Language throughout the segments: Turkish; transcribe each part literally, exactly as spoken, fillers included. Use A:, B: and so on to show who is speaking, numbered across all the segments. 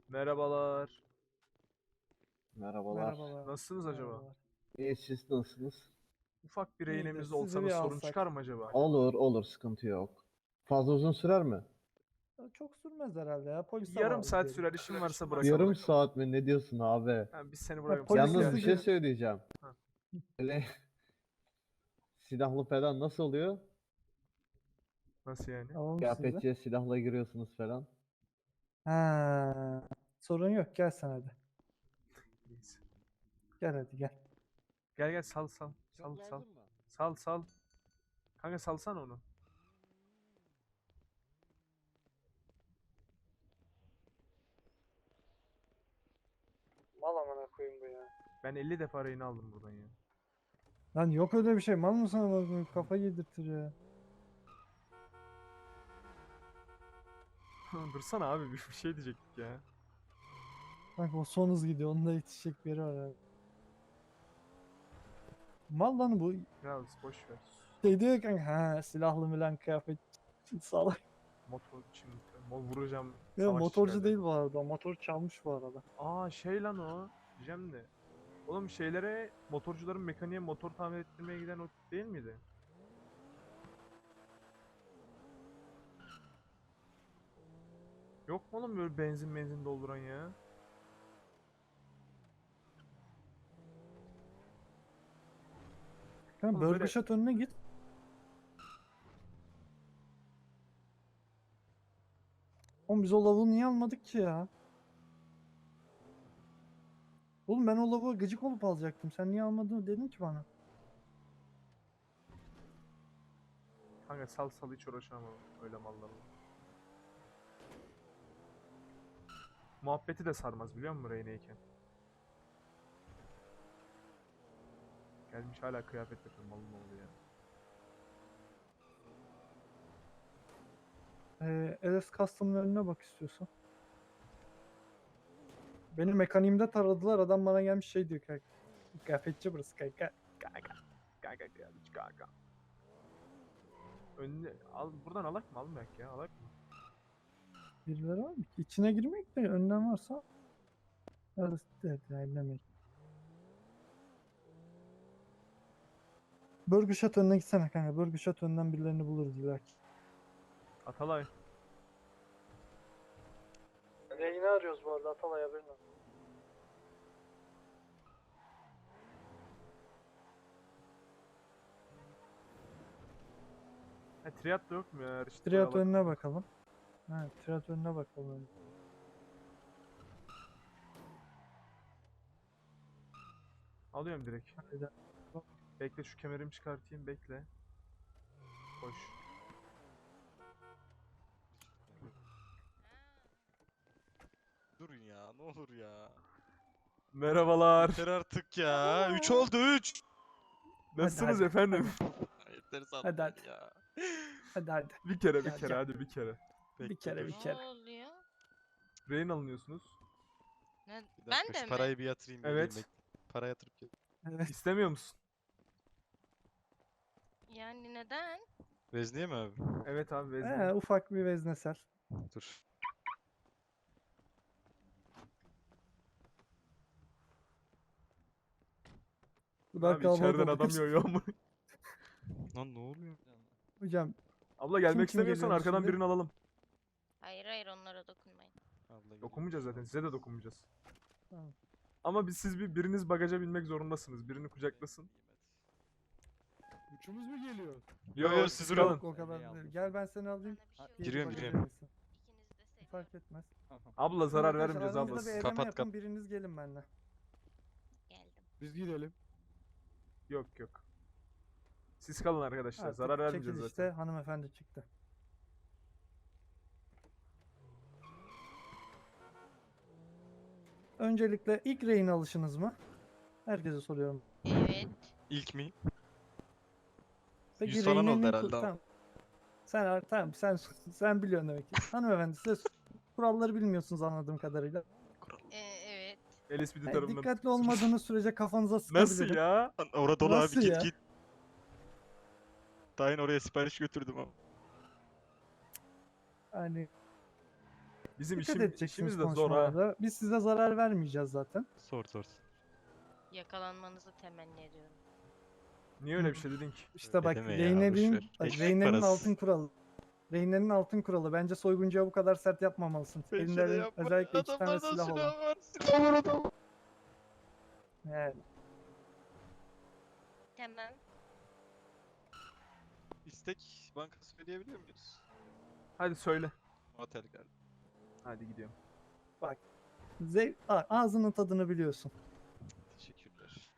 A: Merhabalar.
B: Merhabalar.
C: Merhabalar.
A: Nasılsınız acaba?
C: Merhabalar.
B: İyi, siz nasılsınız?
A: Ufak bir
C: İyidir.
A: rehinemizde olsa
C: Sizi
A: da
C: bir
A: sorun
C: alsak.
A: çıkar mı acaba?
B: Olur olur, sıkıntı yok. Fazla uzun sürer mi?
C: Çok sürmez herhalde ya. Polise
A: Yarım
C: bağlı
A: saat
C: diyelim.
A: sürer, işin varsa bırakalım.
B: Yarım saat mi? Ne diyorsun abi?
A: Ha, biz seni
C: Ha,
A: bırakalım.
C: polis
A: Sen
B: Yalnız
C: hızlı
B: bir
A: gel.
B: şey
C: gel-
B: söyleyeceğim.
A: Ha.
B: Böyle silahlı falan nasıl oluyor?
A: Nasıl yani?
C: Alalım sizi.
B: Kıyafetçiye silahla giriyorsunuz falan.
C: Ha, sorun yok. Gel sen hadi.
A: Neyse.
C: Gel hadi gel.
A: Gel gel sal sal. Sal sal. Sal sal. Kanka salsana onu.
C: Mal amına koyayım bu ya.
A: Ben elli defa rehine aldım buradan ya.
C: Lan yok öyle bir şey. Mal mısın amına koyayım? Kafa yedirtir ya.
A: Dursana abi, bir bir şey diyecektik ya.
C: Bak o son hız gidiyor. Onda yetişecek bir yeri var abi. Mal lan bu.
A: Ya boş ver.
C: Şey diyor kanka. Ha, silahlı milan kıyafet. Salak.
A: Motor için mol vuracağım.
C: Ya
A: savaş
C: motorcu
A: çıkardı.
C: değil bu arada. Motor çalmış bu arada.
A: Aa şey lan o. Diyeceğim de. Oğlum şeylere, motorcuların mekaniğe motor tamir ettirmeye giden o değil miydi? Yok mu oğlum böyle benzin benzin dolduran ya?
C: Kanka
A: Oğlum
C: Burger
A: böyle-
C: Shot önüne git. Oğlum biz o lavuğu niye almadık ki ya? Oğlum ben o lavuğa gıcık olup alacaktım. Sen niye almadın dedin ki bana.
A: Kanka sal sal, hiç uğraşamam öyle mallarla. Muhabbeti de sarmaz biliyor musun rehineyken? Gelmiş hala kıyafet yapıyor, malın oğlu ya.
C: Ee, L S Custom'ın önüne bak istiyorsan. Benim mekaniğimde taradılar. Adam bana gelmiş şey diyor kanka. Kıyafetçi burası kanka.
A: Kanka. Kanka gelmiş kanka. Önüne al, buradan alak mı, almayak ya, alak mı?
C: Birileri var mı ki? İçine girmek de önden varsa. Evet, evet, ellemek. Burger Shot önüne gitsene kanka. Burger Shot önden birilerini buluruz illaki.
A: Atalay.
C: Reyni arıyoruz bu arada Atalay haberin olsun.
A: Ha, triat da yok mu ya? İşte
C: Triat
A: alak.
C: önüne bakalım. Ha, triat önüne bakalım.
A: Alıyorum direkt.
C: Hadi.
A: Bekle şu kemerimi çıkartayım, bekle. Koş.
D: Durun ya, ne olur ya.
A: Merhabalar.
D: Yeter artık ya. üç oldu üç.
A: Nasılsınız
C: hadi,
A: efendim?
D: Yeter
C: Hadi,
D: zaten
C: hadi.
D: ya.
C: Hadi hadi.
A: Bir kere bir
C: Gel,
A: kere
C: gel.
A: hadi bir kere.
C: Bir
D: Bekle,
C: kere bir
D: dur.
C: kere.
E: Ne oluyor?
A: Rehin alınıyorsunuz.
E: Ne?
D: Bir
E: Ben
D: dakika,
E: de
D: şu
E: mi?
D: parayı bir yatırayım.
A: Evet.
D: geleyim, bekle. Para yatırıp gel.
C: Evet.
A: İstemiyor musun?
E: Yani neden?
D: Vezniye mi abi?
A: Evet abi, vezne.
C: Ee, ufak bir veznesel.
D: Dur.
C: Bu da
A: Abi içeriden
C: kalabalık
A: adam
C: oldu.
A: yoruyor mu?
D: Lan ne oluyor?
C: Hocam
A: Abla gelmek
C: kim
A: istemiyorsan
C: geliyormuş
A: arkadan
C: şimdi?
A: birini alalım.
E: Hayır hayır onlara dokunmayın.
D: Abla geliyor.
A: Dokunmayacağız zaten, size de dokunmayacağız.
C: Tamam.
A: Ama biz siz bir biriniz bagaja binmek zorundasınız. Birini kucaklasın.
F: Üçümüz mü geliyor?
D: Yo, yo, siz durun.
A: kalın.
C: Yok o kadar değil. Gel ben seni alayım.
E: Bana bir şey
C: Diğeri
D: Giriyorum,
C: bagaja
D: giriyorum.
C: binsin.
E: İkiniz de seviyorum.
C: Fark etmez.
A: Abla zarar
C: Arkadaşlar,
A: vermeyeceğiz
C: aranızda
A: abla.
C: bir eleme
D: Kapat,
C: yapın.
D: kap-
C: Biriniz gelin benimle.
E: Geldim.
F: Biz gidelim.
A: Yok yok. Siz kalın arkadaşlar.
C: Artık
A: zarar vermeyeceğiz
C: çekilişte
A: zaten.
C: hanımefendi çıktı. Öncelikle ilk rehin alışınız mı? Herkese soruyorum.
E: Evet.
D: İlk mi?
C: Peki
D: Yüz falan oldu
C: rehinin
D: herhalde
C: ku-
D: ama.
C: tamam. Sen tamam sen sen biliyorsun demek ki. Hanımefendi size kuralları bilmiyorsunuz anladığım kadarıyla.
E: Ee, evet.
A: El ispidi
C: Yani
A: tarafından.
C: dikkatli olmadığınız sürece kafanıza sıkabilirim.
A: Nasıl ya?
D: Lan orada dolu abi,
C: Nasıl
D: git
C: ya?
D: git. Daha yeni oraya sipariş götürdüm ama.
C: Yani
A: Bizim
C: Dikkat
A: işim,
C: edeceksiniz
A: işimiz de zor ha.
C: konuşmalarda. Biz size zarar vermeyeceğiz zaten.
D: Sor sor.
E: Yakalanmanızı temenni ediyorum.
A: Niye öyle bir şey dedin ki?
C: İşte
D: Öyle
C: bak
D: deme ya,
C: Reynel'in
D: boşver.
C: bak,
D: Ekmek
C: Reynel'in
D: parası.
C: altın kuralı. Reynel'in altın kuralı. Bence soyguncuya bu kadar sert yapmamalısın. Elinde özellikle iki tane silah olan.
D: var. Silah var adam.
C: Yani.
E: Tamam.
D: İstek bankası söyleyebiliyor muyuz?
A: Hadi söyle.
D: Otel geldi.
A: Hadi gidiyorum.
C: Zev A- ağzının tadını biliyorsun.
D: Teşekkürler.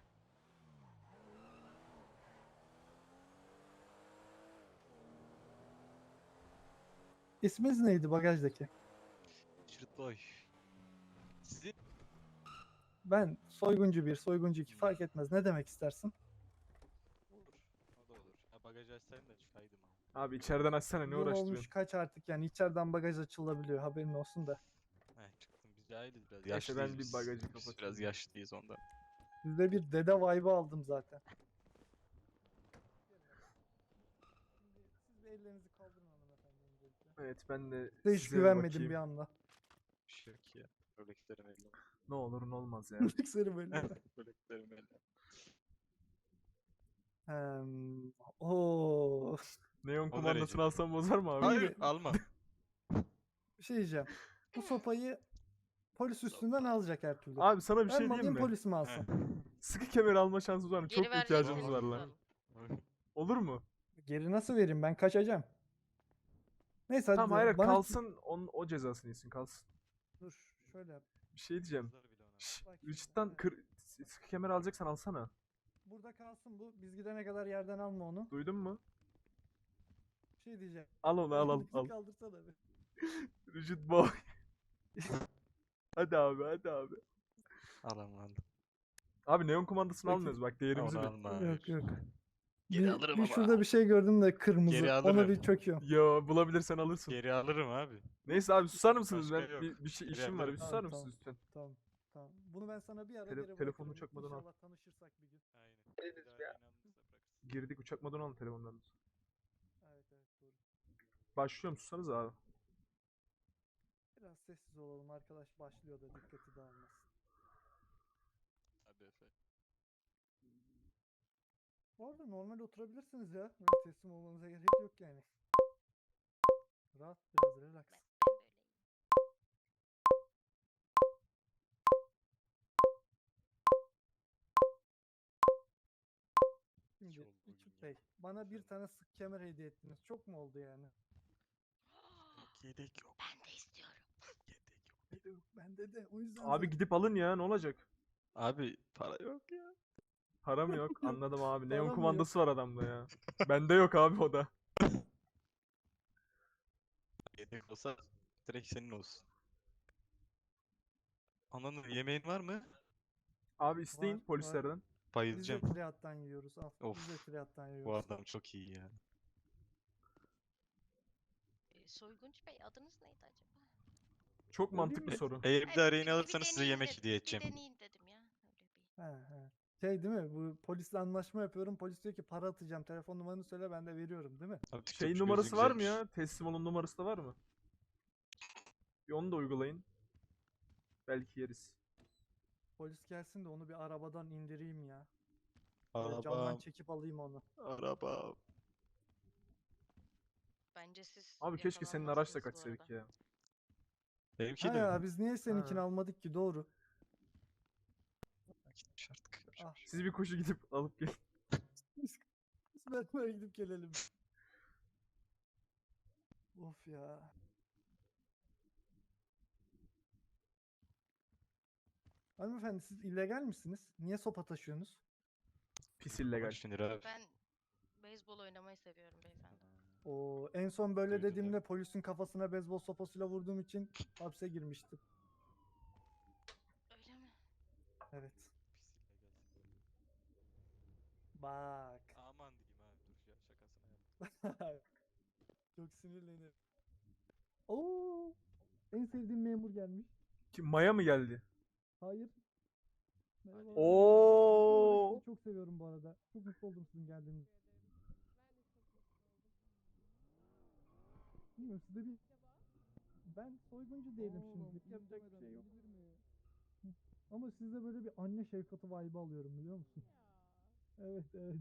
C: İsminiz neydi bagajdaki?
D: Şirt boy. Sizin?
C: Ben soyguncu bir, soyguncu iki fark etmez. Ne demek istersin?
D: Olur. O da olur. Ha, bagaj açsaydım da çıkaydım abi.
A: Abi içeriden açsana, ne
C: Yıl olmuş
A: uğraştırıyorsun?
C: kaç artık yani içeriden bagaj açılabiliyor haberin olsun da.
D: He çıktım. Biz de ayrıyız biraz.
A: Neyse,
D: Yaşlıyız
A: ben bir
D: biz.
A: bagajı
D: Biz
A: kapatayım.
D: biraz yaşlıyız ondan.
C: Sizde bir dede vibe'ı aldım zaten. Şimdi siz bir ellerinizi kaldırın hanımefendi öncelikle.
A: Evet, ben de
C: Size hiç
A: size
C: güvenmedim
A: bakayım.
C: bir anda.
D: Bir şey yok ya. Örneklerim elde.
A: Ne olur ne olmaz ya.
C: Seni böyle.
D: Örneklerim elde.
C: Hem, ooo.
A: Neon
D: O
A: kumandasını
D: derece.
A: alsam bozar mı abi?
D: Hayır alma.
C: Bir şey diyeceğim. Bu sopayı polis üstünden alacak her türlü.
A: Abi sana bir
C: Ben
A: şey
C: mi alayım
A: diyeyim mi?
C: polis mi alsın?
A: Sıkı kemer alma şansımız var mı?
E: Geri
A: Çok ihtiyacımız
E: verecekseniz
A: var lan.
E: alalım.
A: Olur mu?
C: Geri nasıl vereyim ben kaçacağım. Neyse hadi
A: Tamam, hayır
C: bana
A: kalsın, onun, o cezasını yesin, kalsın.
C: dur şöyle yap.
A: Bir şey diyeceğim.
D: Kızlar bile ona.
A: Şşş,
C: Bak şimdi,
A: Richard'dan
C: evet.
A: kır, sıkı kemer alacaksan alsana.
C: Burada kalsın bu. Biz gidene kadar yerden alma onu.
A: Duydun mu?
C: Bir şey diyeceğim.
A: Al onu, al al
C: Elinizi
A: al.
C: kaldırsana bir.
A: Richard boy. Hadi abi, hadi abi.
D: Alam aldım.
A: Abi neon kumandasını
C: Peki.
A: almıyoruz bak, değerimizi
D: Onu
A: bil.
D: alma.
C: Yok
D: hayır.
C: yok.
D: Geri
C: bir,
D: alırım
C: bir
D: ama.
C: şurada bir şey gördüm de kırmızı.
D: Geri
C: Onu
D: alırım.
C: bir çöküyorum.
A: Yo, bulabilirsen alırsın.
D: Geri alırım abi.
A: Neyse abi, susar mısınız?
D: Başka
A: Ben
D: yok.
A: bir, bir şey
D: Geri
A: işim var, bir
D: alırım.
A: susar
C: Tamam,
A: mısınız
C: tamam.
A: lütfen?
C: Tamam. Tamam. Bunu ben sana bir ara
A: Tele-
C: geri
A: telefonunu
C: bırakırım.
A: çakmadan al.
C: İnşallah tanışırsak bir gün.
D: Aynen. Bir daha yayın alınırsa bırakırsın.
A: Girdik, uçak modunu alın telefondan.
C: Evet evet doğru.
A: Başlıyorum, sussanız abi.
C: Biraz sessiz olalım arkadaş başlıyor da dikkati dağılmasın.
D: Hadi Efe.
C: Bu arada normal oturabilirsiniz ya. Öyle teslim olmanıza gerek yok yani. Rahat biraz relax.
E: Ben, ben böyleyim.
C: Şimdi
D: oldu bugün
C: Richard
D: ya.
C: Bey bana bir
D: Söyle.
C: tane sık kemer hediye ettiniz. Çok mu oldu yani?
D: Yedek yok.
E: Ben de istiyorum.
D: Yedek yok.
C: Bende de o yüzden
A: Abi
C: zaten-
A: gidip alın ya, ne olacak?
D: Abi para yok ya.
A: Para mı yok? Anladım abi.
C: Para
A: Neon
C: mı
A: kumandası var adamda ya. Bende yok abi o da.
D: Yedek olsa direkt senin olsun. Ananın yemeğin var mı?
A: Abi isteyin
C: Var, var.
A: polislerden.
C: Biz de
D: Bayılacağım.
C: triattan yiyoruz. Al. Biz de
D: Of.
C: triattan
D: Bu
C: yiyoruz.
D: adam çok iyi ya.
E: Ee, Soyguncu Bey adınız neydi acaba?
A: Çok
C: Öyle
A: mantıklı
C: mi?
A: soru.
D: Eğer bir
E: Hayır,
D: daha
E: bir-
D: rehin
E: bir
D: alırsanız size
E: deneyin
D: yemek
E: dedim,
D: hediye
E: Bir
D: edeceğim.
E: deneyin dedim ya. Öyle bir.
C: He he. Şey değil mi? Bu polisle anlaşma yapıyorum. Polis diyor ki para atacağım. Telefon numaranı söyle ben de veriyorum değil mi?
D: Abi
A: Şey
D: TikTokçu
A: numarası
D: gözü
A: var mı
D: güzelmiş.
A: ya? Teslim olun numarası da var mı? Bir onu da uygulayın. Belki yeriz.
C: Polis gelsin de onu bir arabadan indireyim ya. Böyle camdan
D: Arabam.
C: çekip alayım onu.
D: Arabam.
E: Bence siz
A: Abi keşke senin araçla
E: yakalanmazsınız bu
A: kaçsaydık
E: arada.
A: ya.
D: Benimki
C: Ha
D: de.
C: ya biz niye seninkini
A: Ha.
C: almadık ki doğru.
D: Gitmiş artık. Yapacak
C: Ah.
D: bir şey yok.
A: Siz bir koşu gidip alıp gelin.
C: Biz beraber gidip gelelim. Of ya. Hanımefendi siz illegal misiniz? Niye sopa taşıyorsunuz?
A: Pis illegal.
D: on üç bin lira abi.
E: Ben beyzbol oynamayı seviyorum beyefendi.
C: O en son böyle
D: Duydum,
C: dediğimde
D: evet.
C: polisin kafasına beyzbol sopasıyla vurduğum için hapse girmiştim.
E: Öyle mi?
C: Evet.
D: Pis illegal.
C: Bak.
D: Aman diyeyim abi dur ya şakasına yap.
C: Çok sinirlenirim. Oo! En sevdiğim memur gelmiş.
A: Kim, Maya mı geldi?
C: Hayır. Merhaba.
A: Oo!
C: Sizi çok seviyorum bu arada. Çok mutlu oldum sizin geldiğiniz. Bilmiyorum sizde bir Ben soyguncu değilim şimdilik. Yapacak bir şey yok. Hı. Ama sizde böyle bir anne şefkati vibe alıyorum biliyor musun? Evet evet.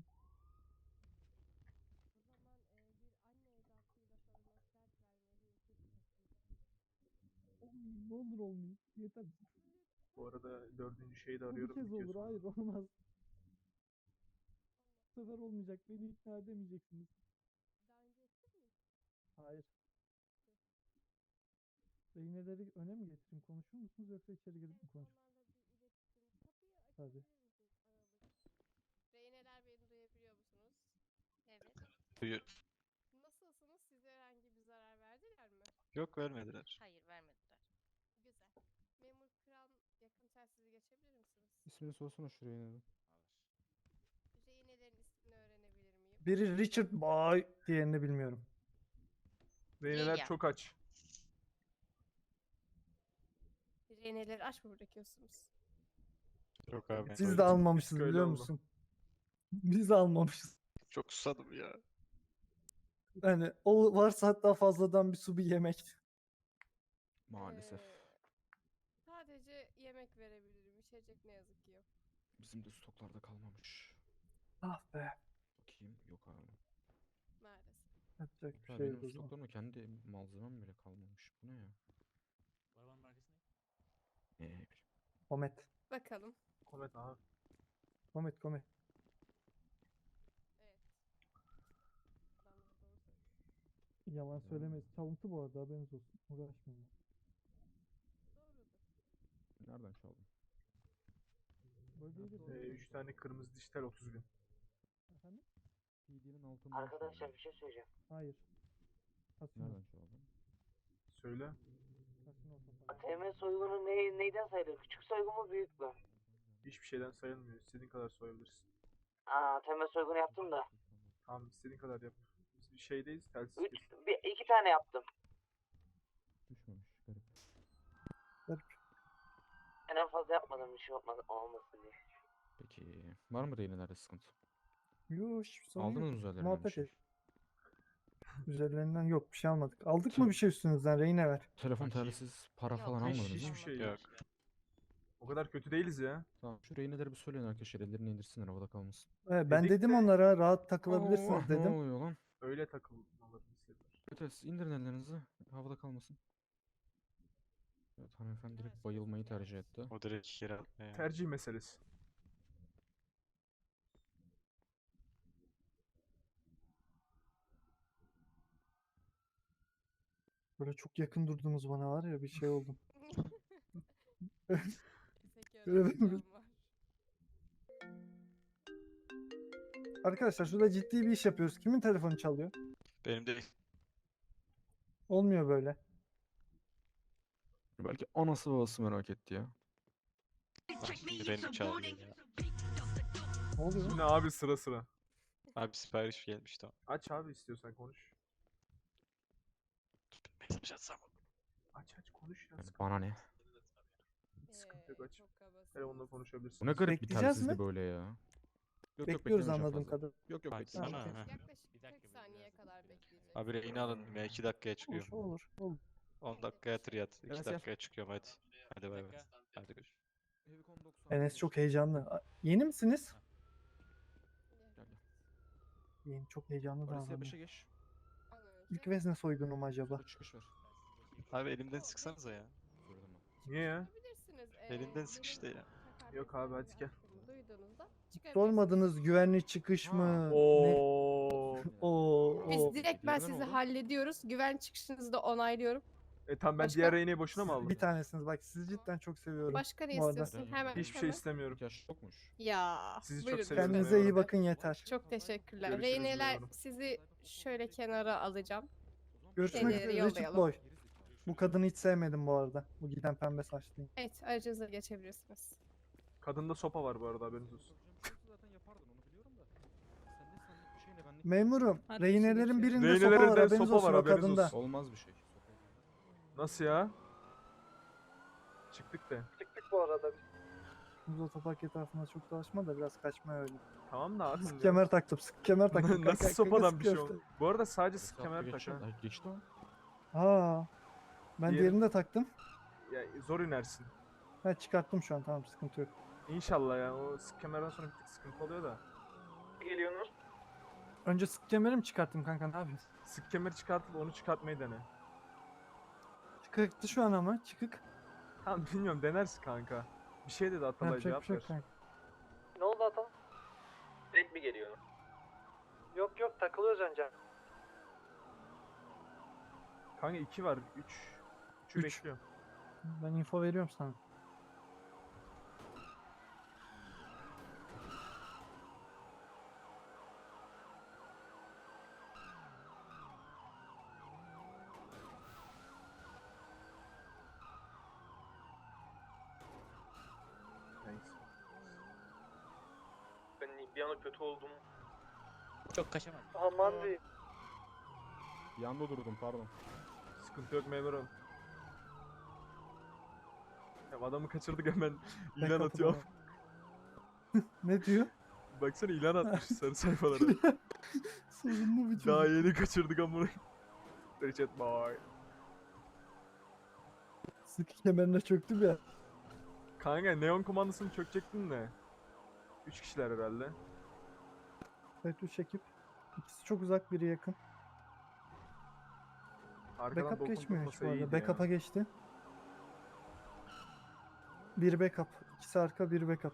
C: Olmayayım, ne olur olmayayım. Yeter.
A: Bu arada dördüncü şeyi de
C: Bu bir
A: arıyorum.
C: kez
A: bitiyor
C: olur.
A: sonra.
C: Hayır olmaz. Bu sefer olmayacak. Beni ikna edemeyeceksiniz. Hayır. Rehineleri öne mi getireyim? Konuşur musunuz yoksa içeri girip mi konuşur? Tabii.
F: Reyneler beni duyabiliyor musunuz?
E: Evet.
D: Buyur.
F: Nasılsınız? Size herhangi bir zarar verdiler mi?
D: Yok vermediler.
E: Hayır vermediler.
F: Güzel. Memur Kıran yakın telsizi geçebilir misiniz?
G: İsmini sorsana şuraya yine.
F: Rehinelerin ismini öğrenebilir miyim?
C: Biri Richard Boy, diğerini bilmiyorum.
A: Reyneler
E: ya.
A: çok aç.
F: Rehineleri aç mı bırakıyorsunuz?
D: Yok abi.
C: Biz
A: Öyle-
C: de almamışız
A: öyle
C: biliyor
A: oldu.
C: musun? Biz de almamışız.
D: Çok susadım ya.
C: Yani o varsa hatta fazladan bir su bir yemek.
G: Maalesef.
F: Ee, sadece yemek verebilirim. İçecek ne yazık ki yok.
G: Bizim de stoklarda kalmamış.
C: Ah be.
G: Bakayım. Yok abi.
F: Maalesef.
C: Yapacak bir
G: Ya
C: şey
G: benim
C: yok o zaman.
G: stoklarımda kendi malzemem bile kalmamış. Bu ne ya?
D: Arabanın markası ne?
G: Ne bileyim.
C: Komet.
F: Bakalım.
A: Komet aha.
C: Komet komet.
F: Evet. Adamlar doğru söylüyor.
C: Yalan
G: Hmm.
C: söylemeyiz. Çalıntı bu arada haberiniz olsun. Uğraşmayın.
F: Doğrudur.
G: Nereden çaldın?
C: Böyle değil
A: Ee, üç tane kırmızı dijital otuz bin.
C: Efendim?
G: C D'nin altında.
H: Arkadaşlar bir şey söyleyeceğim.
C: Hayır. Kasino.
G: Nereden çaldın?
A: Söyle.
C: Kasino otoparkı.
H: A T M soygunu ne, neyden sayılır? Küçük soygun mu büyük mü?
A: Hiçbir şeyden sayılmıyor. İstediğin kadar soyabilirsin.
H: Aa, A T M soygunu yaptım da.
A: Tamam istediğin kadar yap. Biz bir şeydeyiz. Telsiz
H: Üç,
A: kesin.
H: bir, iki tane yaptım.
G: Düşmemiş. Garip.
H: Ben en fazla yapmadım bir şey olmadı, olmasın diye.
G: Peki. Var mı rehinelerde sıkıntı?
C: Yok hiçbir sorun
G: Aldınız
C: yok.
G: mı üzerlerine bir
C: Muhabbet
G: şey?
C: et. Üzerlerinden yok bir şey almadık. Aldık mı bir şey üstünüzden reyne ver.
G: Telefon,
D: Bakayım.
G: telsiz, para
E: Yok,
G: falan
E: hiç-
G: almadınız
A: Hiçbir
G: mı?
A: şey
D: Yok.
A: yok. O kadar kötü değiliz ya.
G: Tamam. Şu rehineleri bir söyleyin arkadaşlar. Ellerini indirsinler havada kalmasın.
C: Evet, ben
A: Dedik
C: dedim
A: de-
C: onlara rahat takılabilirsiniz
G: Allah, Ne
C: dedim.
G: oluyor lan?
A: Öyle takılmalarını istediler.
G: Evet, evet, siz indirin ellerinizi. Havada kalmasın. Evet, hanımefendi direkt bayılmayı tercih etti.
D: O direkt kira. Ee,
A: Tercih meselesi.
C: Böyle çok yakın durdunuz bana var ya bir şey oldum.
F: Peki
C: Evet.
F: öğrencim var.
C: Arkadaşlar şurada ciddi bir iş yapıyoruz. Kimin telefonu çalıyor?
D: Benim de
C: Olmuyor böyle.
G: Belki anası babası merak etti ya.
D: Bak şimdi benim çağırıyor ya.
C: Ne oluyor?
A: Yine abi sıra sıra.
D: Abi sipariş gelmiş tamam.
A: Aç abi istiyorsan konuş.
D: Mesaj atsam.
A: Aç aç konuş ya.
G: Yani
A: Sıkıntı,
G: bana ne?
A: sıkıntı yok aç.
F: Çok kabasınız.
A: Telefonla konuşabilirsin.
G: Bu ne garip bir
C: Bekleyeceğiz
G: telsizdi
C: mi?
G: böyle ya. Yok, yok,
C: Bekliyoruz
G: beklemeyeceğim
C: anladığım
G: fazla.
C: kadar.
G: Yok yok
D: Açsana.
G: beklemeyeceğim.
D: Ha.
F: Yaklaşık kırk saniyeye kadar bekleyeceğiz.
D: Abi reyini alın. Ben iki dakikaya çıkıyorum.
C: Olur olur. olur.
D: on dakika yatır yat. iki
G: Enes gel.
D: dakikaya çıkıyorum hadi. Hadi bay bay. Hadi görüşürüz.
C: Enes çok heyecanlı. A- Yeni misiniz?
G: Gel, gel.
C: Yeni çok heyecanlı
G: Orası
C: davranıyor.
G: beşe geç.
C: İlk vezne soygunu mu acaba?
G: Şurada çıkış var.
D: Abi elimden sıksanıza ya.
G: Söyledim ben.
A: Niye ya?
F: Çıkabilirsiniz.
D: Elinden
F: Ee,
D: sık işte ya.
F: takar
A: Yok abi, hadi gel.
F: hakkını Duyduğunuzda çıkabilirsiniz.
C: Sormadınız güvenli çıkış
G: Ha.
C: mı? Ne?
A: Oo.
C: Oo,
F: Biz
C: oo.
F: direkt ben
G: Diğerine ne
F: sizi
G: oldu?
F: hallediyoruz. Güven çıkışınızı da onaylıyorum.
A: E tamam ben
F: Başka?
A: diğer reyneyi boşuna mı aldım?
C: Bir tanesiniz bak sizi cidden çok seviyorum.
F: Başka ne
C: Bu arada.
F: istiyorsun? Hemen
A: Hiçbir şey
F: hemen.
A: istemiyorum.
G: İhtiyaç yokmuş.
F: Ya.
A: Sizi çok
F: buyurun
A: seviyorum
C: Kendinize
A: memur
C: iyi
A: bey.
C: bakın yeter.
F: Çok teşekkürler.
A: Görüşürüz
F: Reyneler
A: memurum.
F: sizi şöyle kenara alacağım.
C: Görüşmek
F: Şeyleri
C: üzere Richard
F: yollayalım.
C: Boy. Bu kadını hiç sevmedim bu arada. Bu giden pembe saçlıyım.
F: Evet, aracınıza geçebilirsiniz.
A: Kadında sopa var bu arada haberiniz olsun.
G: Zaten yapardın onu biliyorum da. Sen ne senlik bir şey ne benlik.
C: Memurum,
F: Hadi
C: rehinelerin
F: şimdi
C: birinde
A: Rehinelerin
C: sopa var
A: de
C: haberiniz
A: sopa
C: olsun
A: var,
C: o
A: haberiniz
C: kadında.
A: olsun.
G: Olmaz bir şey.
A: Nasıl ya? Çıktık de.
C: Çıktık bu arada. Biz otopark etrafında çok dolaşma da biraz kaçma öyle.
A: Tamam da abi.
C: Sık kemer taktım, sık kemer taktım.
A: Nasıl
C: Kanka,
A: sopadan
C: sık
A: bir şey
C: köfte.
A: oldu? Bu arada sadece
G: Sık
A: sık kemer tak ha.
G: Geçti o.
C: Aa. Ben
A: Diğeri-
C: diğerini de taktım.
A: Ya zor inersin.
C: Ha çıkarttım şu an, tamam, sıkıntı yok.
A: İnşallah ya. O sık kemerden sonra bir tık sıkıntı oluyor da.
H: Geliyorsunuz.
C: Önce sık kemeri mi çıkarttım kanka, ne yapıyorsun?
A: Sık kemeri çıkartıp onu çıkartmayı dene.
C: Çıkıktı şu an ama, çıkık.
A: Tamam bilmiyorum denersin kanka. Bir şey dedi Atalay,
C: Yapacak bir
A: cevap
C: şey
A: ver.
C: yok kanka.
H: Ne oldu Atan? Direkt mi geliyor?
C: Yok yok, takılıyoruz önce.
A: Kanka iki var. üç. üçü
C: Üç.
A: bekliyor.
C: Ben info veriyorum sana.
A: Neyse.
H: Ben bir anda kötü oldum.
D: Çok kaçamadım.
C: Aman diyeyim.
G: Yanda durdum pardon.
A: Sıkıntı yok memurum. Ya adamı kaçırdık hemen ilan
C: kapıda
A: atıyor.
C: Ne diyor?
A: Baksana ilan atmış sarı sayfalara.
C: Sorunlu bir çocuk.
A: Daha yeni kaçırdık amına. Richard boy.
C: Sık kemerine çöktüm ya.
A: Kanka neon kumandasını çökecektin de. Üç kişiler herhalde.
C: Evet, üç ekip. İkisi çok uzak, biri yakın.
A: Arkadan
C: Backup
A: dokun
C: geçmiyor hiç
A: tutmasa
C: bu arada.
A: iyiydi
C: Backup'a
A: ya.
C: geçti. Bir backup. İkisi arka, bir backup.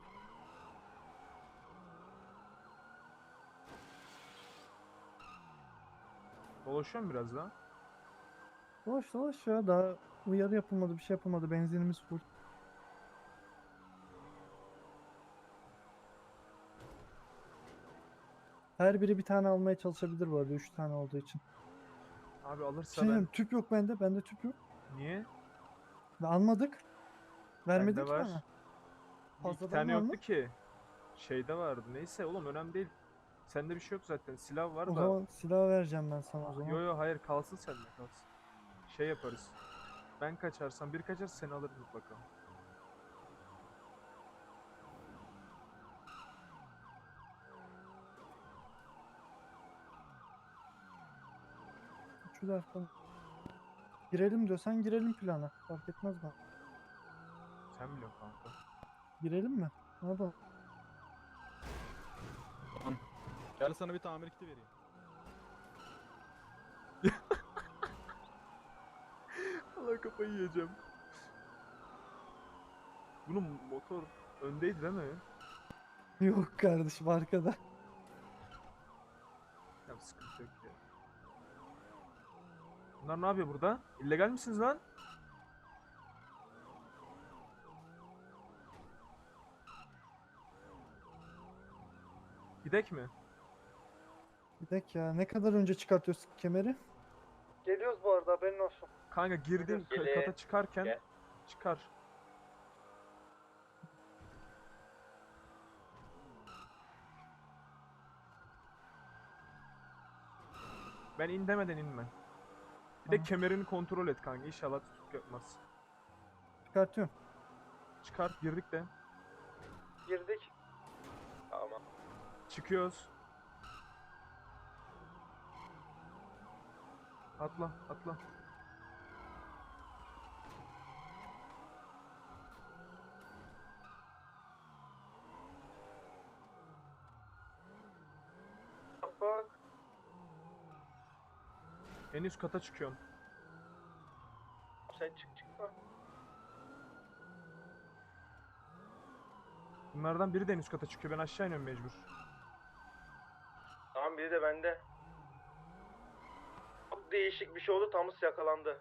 A: Dolaşıyor mu biraz daha?
C: Dolaş dolaş ya. Daha uyarı yapılmadı, bir şey yapılmadı. Benzinimiz full. Her biri bir tane almaya çalışabilir bu arada. Üç tane olduğu için.
A: Abi
C: Bir
A: alırsa
C: şey
A: ben...
C: diyeyim, tüp yok bende. Bende tüp yok.
A: Niye?
C: Ve almadık. Vermedik
A: Bende
C: ki
A: var.
C: bana.
A: İki
C: Fazladan
A: tane
C: var mı?
A: yoktu ki. Şeyde vardı. Neyse oğlum önemli değil. Sende bir şey yok zaten. Silah var
C: O
A: da.
C: zaman silah vereceğim ben sana o zaman.
A: Yo yo hayır kalsın sende kalsın. Şey yaparız. Ben kaçarsam bir kaçarsa seni alırız mutlaka.
C: Üçü de arkadan. Girelim diyorsan girelim plana. Fark etmez bana.
A: Sen biliyorsun kanka.
C: Girelim mi? Hadi.
G: Gel sana bir tamir kiti vereyim.
A: Allah kafayı yiyeceğim. Bunun motor öndeydi değil mi?
C: Yok kardeşim, arkada.
A: Ya sıkıntı yok ya. Bunlar ne yapıyor burada? İllegal misiniz lan? Gidek mi?
C: Bir dakika ya. Ne kadar önce çıkartıyorsun kemeri? Geliyoruz bu arada, haberin olsun.
A: Kanka girdim ka-
H: Gele-
A: kata çıkarken
H: Gel.
A: çıkar. Ben in demeden inme. Bir de
C: Tamam.
A: kemerini kontrol et kanka. İnşallah tutup yapmaz.
C: Çıkartıyorum.
A: Çıkar girdik de.
C: Girdik.
H: Tamam.
A: Çıkıyoruz. Atla atla.
C: Bak.
A: En üst kata çıkıyorsun.
H: Sen çık çıkma.
A: Bunlardan biri de en üst kata çıkıyor. Ben aşağı iniyorum mecbur.
H: Tamam biri de bende. Çok değişik bir şey oldu. Thomas yakalandı.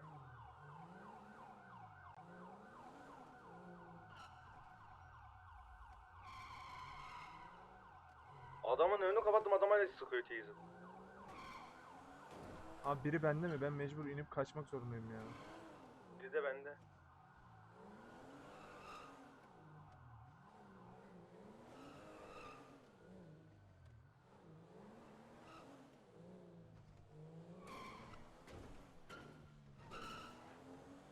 H: Adamın önünü kapattım, adam hala sıkıyor teyze.
A: Abi biri bende mi? Ben mecbur inip kaçmak zorundayım ya.
H: Biri de bende.